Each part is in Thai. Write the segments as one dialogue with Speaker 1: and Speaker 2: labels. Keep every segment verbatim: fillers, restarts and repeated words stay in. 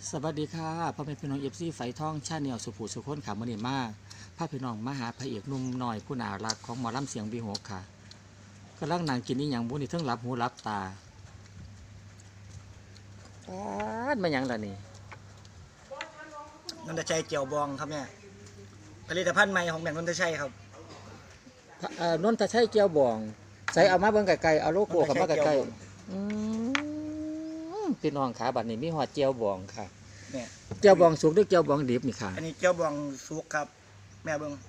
Speaker 1: สวัสดีค่ะพ่อแม่พี่น้องเอฟซีไฟท่องชาแนลสุภูสุคนขามันนี่มากพาพี่น้องมาหาพระเอกหนุ่มน้อยผู้น่ารักของหมอลำเสียงบีโหกค่ะกำลังนั่งกินนี่อย่างบุนี่ทั้งหลับหูหลับตาแอดมาอย่างละนี่
Speaker 2: นนทชัยเกี่ยวบองครับเนี่ยผลิตภัณฑ์ใหม่ของแบรนด์นนทชัยครับ
Speaker 1: เอ่อนนทชัยเกียวบองใส่เอามาเบิ่งไกลๆเอาโลโก้กับมาไกลๆอืมพี่น้องขาบัดนี้มีหอดเจียวบองค่ะ
Speaker 2: เนี่ย
Speaker 1: เจียวบองสุกหรือเจียวบองดิบนี่ค่ะ
Speaker 2: อันนี้เกี่ยวบองสุกครับ แม่เบิ้ง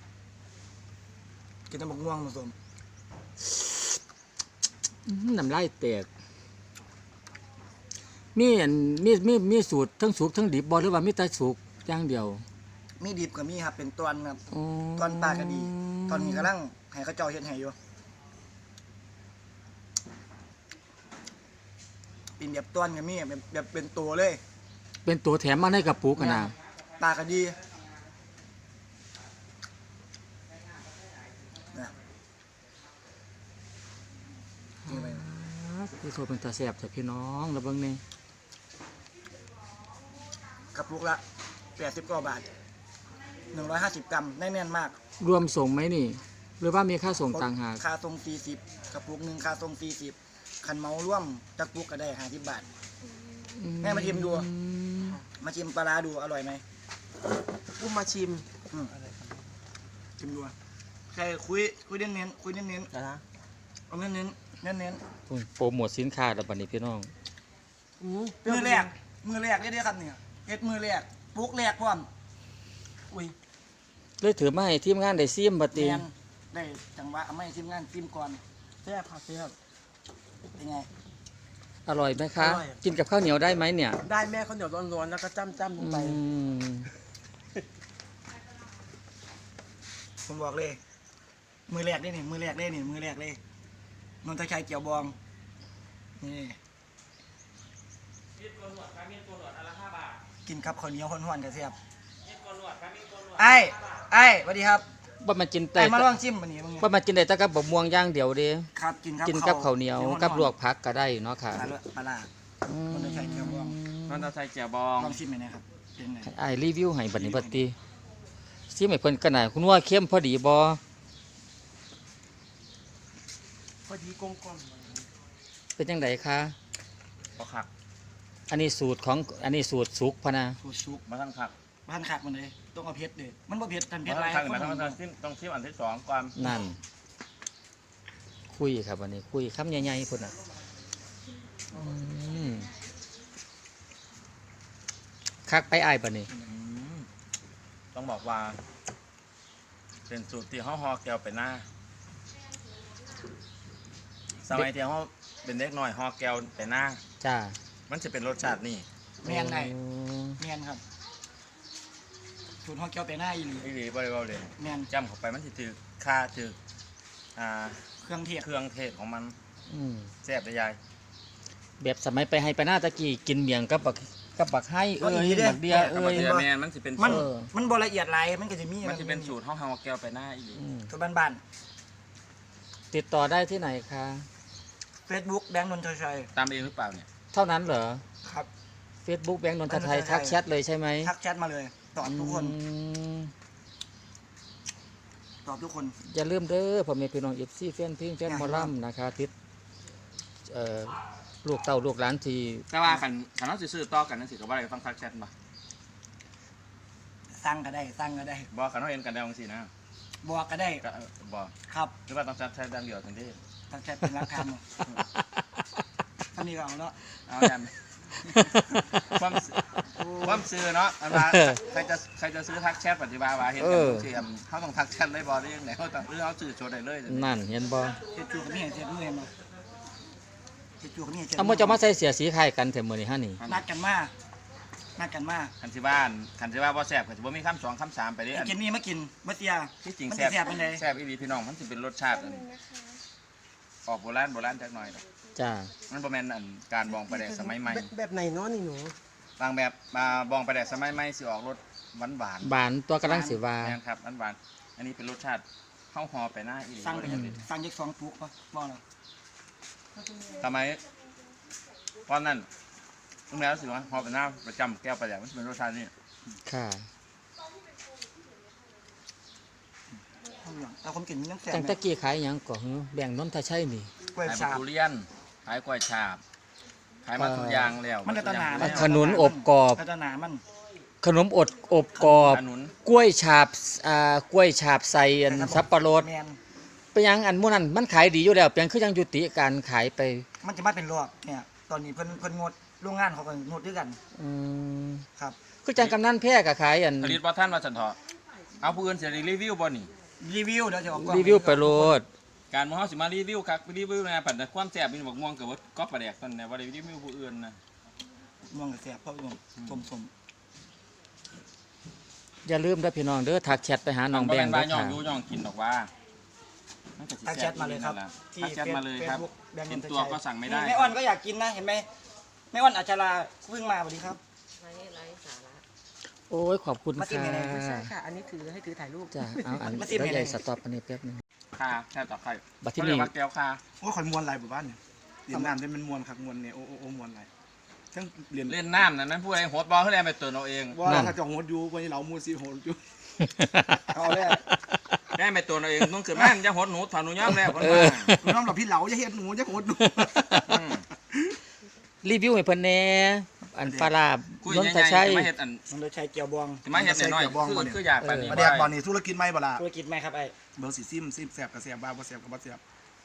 Speaker 2: กินน้ำบักม่วงผสม
Speaker 1: อื้อน้ำลายแตกมีอันมีมีมีสูตรทั้งสุกทั้งดิบบ่หรือว่ามีแต่สุกอย่างเดียว
Speaker 2: มีดิบกับมีครับเป็นตอนครับ
Speaker 1: อ๋อ
Speaker 2: ตอนปลากระดี ตอนนี้กำลังให้เขาเจ้าเฮ็ดให้อยู่เป็นแบบตอนกับมีแบบแบบเป็นตัวเลย
Speaker 1: เป็นตัวแถมมาในกระปุกกันนะ
Speaker 2: ปลากระดีนะนี่ไป
Speaker 1: พี่โทรเป็นตาแสบจากพี่น้องแล้วเบิ่งนี่
Speaker 2: กระปุกละแปดสิบกว่าบาทหนึ่งร้อยห้าสิบกรัมแน่นๆมาก
Speaker 1: รวมส่งไหมนี่ หรือว่ามีค่าส่งต่างหาก
Speaker 2: ค่าทรงสี่สิบกระปุกหนึ่งค่าทรงสี่สิบคันเมาร่วมจักปุกก็ได้ห้าสิบบาท แม่มาชิมดู มาชิมปลาร้าดูอร่อยไหม
Speaker 3: อุ้มมาชิม
Speaker 2: อืมชิมดูใครคุยคุยเน้นเน้นๆคุยเน้นเน้น
Speaker 3: นะ
Speaker 2: ๆเอาเน้นเน้นเน้นเน้น
Speaker 1: โปรโมทสินค้าแล้วบัดนี้พี่น้อง
Speaker 3: อืม
Speaker 2: ๆมือแรกมือแรกได้ได้อครับเนี่ยเฮ็ดมือแรกปุกแรกพร้อมอุ้ย
Speaker 1: เลยถือมาให้ทีมงานได้ซิมบัด
Speaker 2: แม
Speaker 1: นี้
Speaker 2: นได้จังหวะเอาไม่ชิมงานชิมก่อน
Speaker 3: แซ่บค่ะแซ่บ
Speaker 2: เป็นไง
Speaker 1: อร่อยไหมคะ
Speaker 3: อร่อย
Speaker 1: กินกับข้าวเหนียวได้ไหมเนี่ย
Speaker 3: ได้แม่ข้าวเหนียวร้อนๆแล้วก็จ้ำจ้ำลงไป
Speaker 1: อืม
Speaker 2: ผมบอกเลย มือแรกได้นี่มือแรกได้นี่มือแรกเลยนนทชัยเกี่ยวบองนี่กินครับข้าวเหนียวห้อนๆกับเสียบไอ้ไอ้สวัสดีครับ
Speaker 1: ว่ามันกินแต่
Speaker 2: ไอ้มาลองชิมวันนี้มึงเนี่ย
Speaker 1: ว่ามันกินได้แต่กับบะม่วงอย่างเดียวเด้
Speaker 2: ครับกินครับ
Speaker 1: กินกับข้าวเหนียวกับลวกผักก็ได้เนาะค่ะ
Speaker 2: ปลาละปลาละ นนทชัยเกียวบอง
Speaker 3: นนทชัยเจียวบอง
Speaker 2: ลองชิมไหมนะครับเป็นไง
Speaker 1: ให้อ้ายรีวิวให้บัดนี้บัดนี้ซิมให้เพิ่นกันน่ะคุณว่าเข้มพอดีบ่
Speaker 3: พอดีกลมกล่อม
Speaker 1: เป็นจังไดคะ
Speaker 3: พอขัก
Speaker 1: อันนี้สูตรของอันนี้สูตรสุกพะนะ
Speaker 2: สูตรซุป
Speaker 3: มาทั้งขัก
Speaker 2: บ้านขากมันเลยต้องเอาเผ็ดเลยมันบ่เผ็ดทัน
Speaker 3: มา
Speaker 2: เผ็ด
Speaker 3: ทั้
Speaker 2: ไร
Speaker 3: งขักมาทั้งขักต้องชิมอันที่สองก่อน
Speaker 1: นั่น คุยครับวันนี้คุยคำใหญ่ๆพุ่นน่ะอืมคักไปอ้ายบัดนี้
Speaker 3: ต้องบอกว่า เป็นสูตรที่ห่อห่อแก้วไปหน้า สมัยที่ห่อเป็นเด็กน้อยห่อแก้วไปหน้า
Speaker 1: จ้า
Speaker 3: มันจะเป็นรสชาตินี่
Speaker 2: เมียนไง
Speaker 1: อืม
Speaker 2: เมียนครับสูตรห้องเกี๊ยวเปหน้าอีหลี
Speaker 3: อีหลีบริวารเลย
Speaker 2: เมียน
Speaker 3: จำเข้าไปมันจะถือค่าถืออ่า
Speaker 2: เครื่องเทศ
Speaker 3: เครื่องเทศของมัน
Speaker 1: อืม
Speaker 3: แซ่บได้ยาย
Speaker 1: แบบสมัยไปให้ไปหน้าตะกี้กินเมียงกับบักกับบักให้เอ้ยบักเดีย
Speaker 3: เอ
Speaker 1: เอ้ย
Speaker 3: เดียแมนมันจะเป็น
Speaker 2: มัน
Speaker 3: สูตร
Speaker 2: มันบ่ละเอียดไรมันก็จะมี
Speaker 3: มันจะเป็นสูตรห่อห่อแก้วไปหน้าอีหลี
Speaker 1: อืม
Speaker 2: สูตรบ้าน
Speaker 1: ติดต่อได้ที่ไหนคะ
Speaker 2: ๆเฟซบุ๊กแบงค์นนทชัย
Speaker 3: ตามเองหรือเปล่าเนี่ย
Speaker 1: เท่านั้นเหรอ
Speaker 2: ครับ
Speaker 1: Facebook แบงค์นนทไทย
Speaker 2: นนทไทย
Speaker 1: ทักแชทเลยใช่ไหม
Speaker 2: ทักแชทมาเลยตอบทุกคน
Speaker 1: อืม
Speaker 2: ตอบทุกคน
Speaker 1: อย่าลืมเด้อพ่อแม่พี่น้องเอฟซีแฟนเพลงแฟนหมอลำนะคะทิศเอ่อลูกเต้าลูกหลานที่
Speaker 3: แต่ว่าขันขันเราซื้อต่อกันนั่นสิก็ว่าอะไรต้องทักแชทมา
Speaker 2: สั่งก็ได้สั่งก็ได้
Speaker 3: บอกขันเราเห็นกันได้บางสินะ
Speaker 2: บอกก็ได้
Speaker 3: ก็เออบอก
Speaker 2: ครับ
Speaker 3: หรือว่าต้องแชทแชทดังเดียวทันที
Speaker 2: ทักแชทเป็นรักฐานหมดท่านี้ก็เอาแล้ว
Speaker 3: เอายันความความซื้อเนาะอันว่าใครจะใครจะซื้อทักแชทปฏิบัติว่าเห็นกันบางทีเขาต้องทักแชทได้บอได้ยังไงเขาต้องหรือเขาซื้อโชว์ได้เลย
Speaker 1: นั่นเห็นบ่
Speaker 2: เฮ็ดจูกับนี่เฮ็ดมือเห็นบ่เฮ็ดจูกับนี่เฮ็ด
Speaker 1: เอามาจะมาใส่เสียสีไข่กันแต่มื้อนี้ฮะนี่
Speaker 2: นัดกันมานัดกันมา
Speaker 3: คันที่บ้านคันที่ว่าบ่แซ่บก็จะบ่มีคำสองคำสามไปเลย
Speaker 2: ไอ้
Speaker 3: อัน
Speaker 2: กินนี่มากินมาเตีย
Speaker 3: ที่จริง
Speaker 2: มัน
Speaker 3: แซ่
Speaker 2: สิ
Speaker 3: บ
Speaker 2: แซ่บเป็นได
Speaker 3: แซ่บอีหลีพี่น้องมันสิเป็นรสชาติอันออกโบราณโบราณจักหน่อยดอก
Speaker 1: จ้า
Speaker 3: มันบ่แม่นอันการบองประแดกสมัยใหม่
Speaker 4: แบบแบบไหนเนาะนี่หนู
Speaker 3: บางแบบมาบองประแดกสมัยใหม่สิออกรสหวานหวาน
Speaker 1: บานตัวกำลังสิว่า
Speaker 3: แม่นครับหวานหวานอันนี้เป็นรสชาติข้าวหอไปหน้าอีหลี
Speaker 2: สั่งไป
Speaker 3: บ่
Speaker 2: จัก
Speaker 3: ได้
Speaker 2: สั่งจักสองปุกป่ะบ่ล่ะ
Speaker 3: สมัยตอนนั้นตรงแล้วรู้สึกว่าพอเป็นหน้าประจำแก้วปลาแดกมันเป็นรสชาตินี่
Speaker 1: ค่ะ
Speaker 2: เอาคนกินมีน้ำแข็ง
Speaker 1: จังตะกี้ขายหยังก่อนแบ่งนนทชัยนี่
Speaker 2: กล้วย
Speaker 3: ขาย
Speaker 2: ฉาบ
Speaker 3: ทุเรียนขายกล้วยฉาบขายมาทุกอย่างแล้ว
Speaker 2: มันจะตะหนา
Speaker 1: ขนุนอบกรอบ
Speaker 2: พัฒนามัน
Speaker 1: ขนมอดอบกรอบ
Speaker 3: ขนุน
Speaker 1: กล้วยฉาบอ่ากล้วยฉาบใส่อันสับปะรด
Speaker 2: แมน
Speaker 1: ไปยังอันหมู่นั้นมันขายดีอยู่แล้วเพียงคือยังยุติการขายไป
Speaker 2: มันจะมาเป็นรอบเนี่ยตอนนี้เพิ่นเพิ่นงดโรงงานเขาก็งดด้วยกัน
Speaker 1: อืม
Speaker 2: ครับ
Speaker 1: คือจังกำนันแพร่ก็ขายอัน
Speaker 3: ผลิตบ่ท่านว่าสันเถาะเอาผู้อื่นเสียรีวิวบ่นี่
Speaker 2: รีวิวเดี๋ยวจะออกกล้อง
Speaker 1: รีวิวไปโลด
Speaker 3: การมอเฮาสิมารีวิวครับรีวิวนะปัดแต่ความแซ่บมีบอกม่วงกับว่าก๊อปปลาแดกตอนนี้ว่าได้รีวิวผู้อื่นนะ
Speaker 2: ม่วงกับแสบเพราะม่วงสมสม
Speaker 1: อย่าลืมเด้อพี่น้องเด้อทักแชทไปหาน้องแบงค์
Speaker 3: บ่
Speaker 1: เด้
Speaker 3: ม่นว่าย่อง
Speaker 1: อค่ะ
Speaker 3: อยู่ย่องกินดอกว่ามันก็สิ
Speaker 2: ทักแชทมาเลยครับ
Speaker 3: ทักแชทมาเลยครับ
Speaker 2: Facebook แบงค์
Speaker 3: กิน
Speaker 2: นนท
Speaker 3: ตัว
Speaker 2: ชัย
Speaker 3: ก็สั่งไม่ได้
Speaker 2: แม่อ้อนก็อยากกินนะเห็นไหมแม่อ้อนอัจฉราเพิ่งมาสวัสดีครับ
Speaker 4: ไร้ไร้สาระ
Speaker 1: โอ้ยขอบคุณ
Speaker 2: มาจิ้ม
Speaker 1: ค่ะ
Speaker 2: ยังไง
Speaker 4: ไม่ใช่ค่ะ อันนี้ถือให้ถือถ่ายรูป
Speaker 1: จ้ะเอาอัน
Speaker 2: มาจิ้ม
Speaker 1: แล้ว
Speaker 2: ยังไง
Speaker 1: ใหญ่สต็อปอันนี้แป๊บนึง
Speaker 3: คาแค่ต่อไข่
Speaker 1: บัดที่
Speaker 3: เขาเรี
Speaker 1: นี่
Speaker 3: ยกว่าแก้วคา
Speaker 5: โอ้ยข่อยมวนหลายหมู่บ้านเนี่ยเรียนน้ำได้มันมวนคักมวนเนี่ยโอ้โอ้โอ้มวนหลายทั้งเรียน
Speaker 3: เล่นน้ำนั่นนั้นผู้ใดโหดบอลเขาเล่นไปตัวเราเอง
Speaker 5: ว่าถ้าจะโหดอยู่วันนี้เรามูซีโหดอยู่
Speaker 2: เอาเลย
Speaker 3: ได้ไปตัวเราเองต้องเกิดแม่นจะโหดหนูถอนหนูย้อมแล้วคน
Speaker 1: เอ
Speaker 3: มา
Speaker 1: อ
Speaker 5: น้องเราพี่เหลาจะเฮ็ดหนูจะโหดหนู
Speaker 3: อืม
Speaker 1: รีวิวให้เพิ่นแหน่อันปลาร้า
Speaker 3: คุย
Speaker 1: นน
Speaker 3: ยัง
Speaker 1: ท
Speaker 3: ไง
Speaker 1: ชัย
Speaker 3: จะมาเห็ดอัน
Speaker 2: มันโดยชัยเกียวบวง
Speaker 3: จะมาเห็ดหน่อยๆคือคืออยากไปนี่
Speaker 5: มา
Speaker 3: บ่
Speaker 5: แดก
Speaker 3: ได้
Speaker 5: บอลนี่ธุรกิจไม่บ่ล่ะ
Speaker 2: ธุรกิจไหมครับไอ้
Speaker 5: เบอร์สีซิมซิมแสบกับแสบบ้าบ่แสบกับบ่แสบ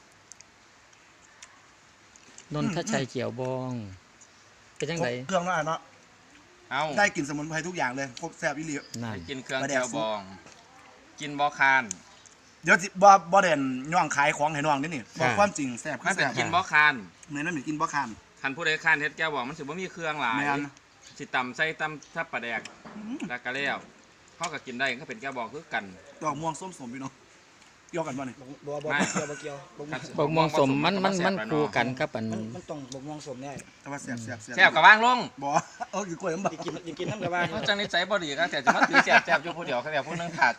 Speaker 1: นนทชัยเขียวบองเป็นจังได
Speaker 5: เครื่องเนาะอ่ะเนาะ
Speaker 3: เอา
Speaker 5: ได้กลิ่นสมุนไพรทุกอย่างเลยครบแสบอีหลี
Speaker 1: นั่น
Speaker 3: ไปกินเครื่องแก้วบอง กินบอคาน
Speaker 5: เดี๋ยวสิบ่บ่เด่นย่องขายของให้น้องนี่นี่บอกความจริงแสบคื
Speaker 3: มั
Speaker 5: อน แส
Speaker 3: เป็น
Speaker 5: บ
Speaker 3: กินบอคาน
Speaker 5: เหมือนนั่นเหมือนกินบ่คาน
Speaker 3: คันผู้ใดคานเฮ็ดแก้วบองมันสิบ่มีเครื่องหลาย
Speaker 5: แม่น
Speaker 3: สิตำใส่ตำทับปลาแดกแล้วก็แล้วเขาก็กินได้ก็เป็นแก้วบองคือกัน
Speaker 5: ดอกม่วงส้มสมพี่น้องเกี่ยวกันบ่นี่
Speaker 2: บัวบัว
Speaker 3: ไม่
Speaker 2: เกียวบัวเกียวบัวม่วง
Speaker 1: บกมองสมมันมันมันคู่กันครับอัน
Speaker 2: มันมันต้องบัวม่วงสมได้
Speaker 5: แต่ว่าแสบแสบแสบ
Speaker 3: แซ่บกับว่างลง
Speaker 5: บ่เออคือกล้วยมันบ่
Speaker 2: อยากกินอยากกินน้ำกระว่า
Speaker 3: เขาจังนิสัยบ่ดีก็แต่จะมาถือแซ่บแซ่บอยู่ผู้เดียวเขาแบบผู้นึงขาด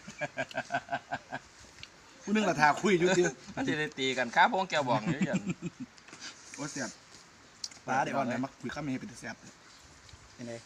Speaker 5: ผู้หนึงละทาคุยอยู่ติ
Speaker 3: มันสิได้ตีกันค้าพวงแก้วบองอยู่อย่าง
Speaker 5: ว่าแสบปลาได้อ่อนได้มักคุยข้ามให้เป็นแสบ
Speaker 2: เป็นไง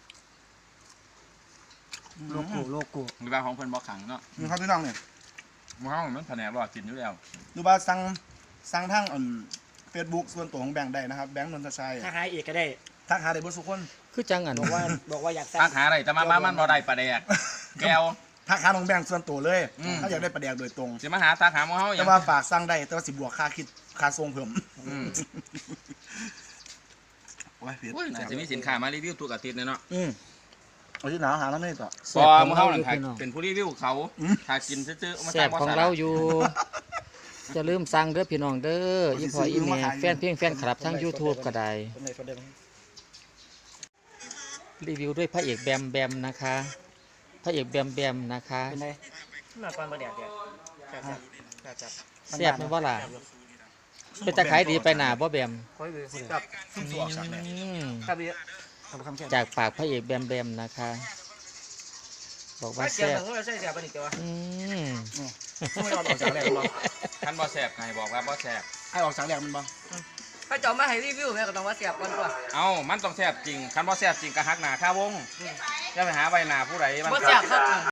Speaker 2: โลโก้โลโก้
Speaker 3: มีบางของเพิ่นบ่ขังเนาะ
Speaker 5: นี่ครับพี่น้องเนี่ย
Speaker 3: หม้อมันแผนกบ่กินอยู่แล้ว
Speaker 5: ดูว่าสั่งสั่งทางอ่อนเฟซบุ๊กส่วนตัวของแบงค์ได้นะครับ แบงค์นนทชัย
Speaker 2: ถ้าหายเอกก็ได้
Speaker 5: ทักหาได้เบนทุกคน
Speaker 1: คือจังอัน
Speaker 2: บอกว่าบอกว่าอยาก
Speaker 3: ทักหาอะไรแต่มามามันบ่ได้ปลาแดกแก้ว
Speaker 5: ทักหาของแบงค์ส่วนตัวเลย
Speaker 3: อืม
Speaker 5: ถ้าอยากได้ประแดกโดยตรง
Speaker 3: สิมาหาทักหาหม้อเฮาอ
Speaker 5: แต่
Speaker 3: ย่าง
Speaker 5: ว่าฝากสั่งได้แต่ว่าสิบวกค่าคิดค่าส่งเพิ่ม
Speaker 3: อืม
Speaker 5: โอ้ยเผ็ด
Speaker 3: โอ้ยน่าจะมีสินค้ามารีวิวทุกอาทิตย์เลยเนาะ
Speaker 5: อืมเอาที่หนาวหาแล้วไม่ต่อ
Speaker 1: แซ่
Speaker 3: บ่
Speaker 1: บของ
Speaker 3: หมู่
Speaker 1: เรา
Speaker 3: เฮา
Speaker 1: อ
Speaker 3: นั่
Speaker 1: ยู่
Speaker 3: นค่ะ
Speaker 1: พี่น้อง
Speaker 3: เป็นผู้รีวิวเขา
Speaker 5: อืม
Speaker 3: ถ้ากินซื่อๆมา
Speaker 1: แซ่บของเราอยู่จะลืมสั่งเด้อพี่น้องเด้ออีพออีแม่แฟนเพลงแฟนคลับทั้ง YouTube ก็ได้
Speaker 2: คนไหนคนเดิม
Speaker 1: รีวิวด้วยพระเอกแบมแบมนะคะ พระเอกแบมแบมนะคะ
Speaker 2: เป็นไง
Speaker 4: มาก่อนมาแดดเดียวจับจับจับจับ
Speaker 1: แซ่บไหมว่าล่ะเป็นตะขายดีไปหนาบ่แบม
Speaker 4: ค่อยเบื่อคน
Speaker 5: กับซุ่มสวกสักเลย
Speaker 1: อืม
Speaker 4: ครับพี่
Speaker 2: เอาคำแค่
Speaker 1: จากปากพระเอกแบมแบมนะคะ บอกว่า
Speaker 4: ว่าเกี่ยว
Speaker 1: แซ่บ
Speaker 4: กับว่าใช่เสียบนี่ตัว
Speaker 1: อืม
Speaker 5: ไม่ยอมออกจากแรกมันบ่
Speaker 3: คันบ่แซ่บไงบอกว่าบ่แซ่บ
Speaker 5: ให้ออกจากแรกมันบ่
Speaker 4: ถ้าจอมาให้รีวิวแม่ก็ต้องว่าเสียบก่อนตัว
Speaker 3: เอ้ามันต้องแซ่บจริงคันบ่แซ่บจริงก็หักหน้าค่าวงอย่าไปหาไว้หน้าผู้ใดมัน
Speaker 4: ว่าเสียบครับ